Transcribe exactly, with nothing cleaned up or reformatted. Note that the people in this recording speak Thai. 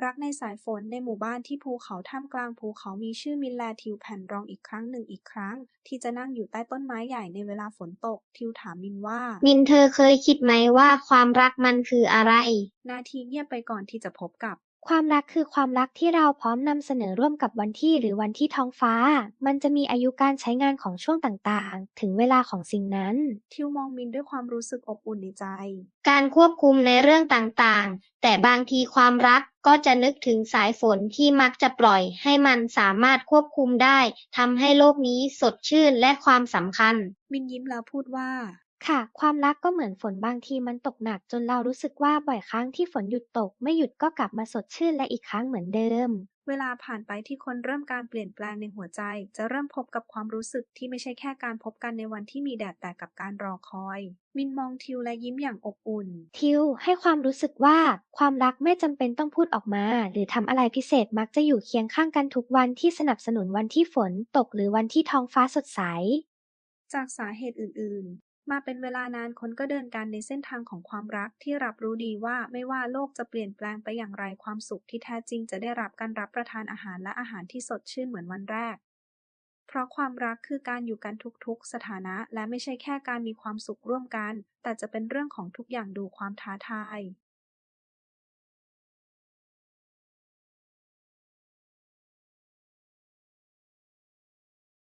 รักในสายฝนในหมู่บ้านที่ภูเขาท่ามกลางภูเขามีชื่อมินแลทิวแผ่นรองอีกครั้งหนึ่งอีกครั้งที่จะนั่งอยู่ใต้ต้นไม้ใหญ่ในเวลาฝนตกทิวถามมินว่ามินเธอเคยคิดไหมว่าความรักมันคืออะไรนาทีเงียบไปก่อนที่จะพบกับความรักคือความรักที่เราพร้อมนำเสนอร่วมกับวันที่หรือวันที่ท้องฟ้ามันจะมีอายุการใช้งานของช่วงต่างๆถึงเวลาของสิ่งนั้นทิวมองมินด้วยความรู้สึกอบอุ่นในใจการควบคุมในเรื่องต่างๆแต่บางทีความรักก็จะนึกถึงสายฝนที่มักจะปล่อยให้มันสามารถควบคุมได้ทำให้โลกนี้สดชื่นและความสำคัญมินยิ้มแล้วพูดว่าค่ะความรักก็เหมือนฝนบางทีมันตกหนักจนเรารู้สึกว่าบ่อยครั้งที่ฝนหยุดตกไม่หยุดก็กลับมาสดชื่นและอีกครั้งเหมือนเดิมเวลาผ่านไปที่คนเริ่มการเปลี่ยนแปลงในหัวใจจะเริ่มพบกับความรู้สึกที่ไม่ใช่แค่การพบกันในวันที่มีแดดแต่กับการรอคอยมินมองทิวและยิ้มอย่างอบอุ่นทิวให้ความรู้สึกว่าความรักไม่จำเป็นต้องพูดออกมาหรือทำอะไรพิเศษมักจะอยู่เคียงข้างกันทุกวันที่สนับสนุนวันที่ฝนตกหรือวันที่ท้องฟ้าสดใสจากสาเหตุอื่นๆมาเป็นเวลานานคนก็เดินกันในเส้นทางของความรักที่รับรู้ดีว่าไม่ว่าโลกจะเปลี่ยนแปลงไปอย่างไรความสุขที่แท้จริงจะได้รับการรับประทานอาหารและอาหารที่สดชื่นเหมือนวันแรกเพราะความรักคือการอยู่กันทุกๆสถานะและไม่ใช่แค่การมีความสุขร่วมกันแต่จะเป็นเรื่องของทุกอย่างดูความท้าทาย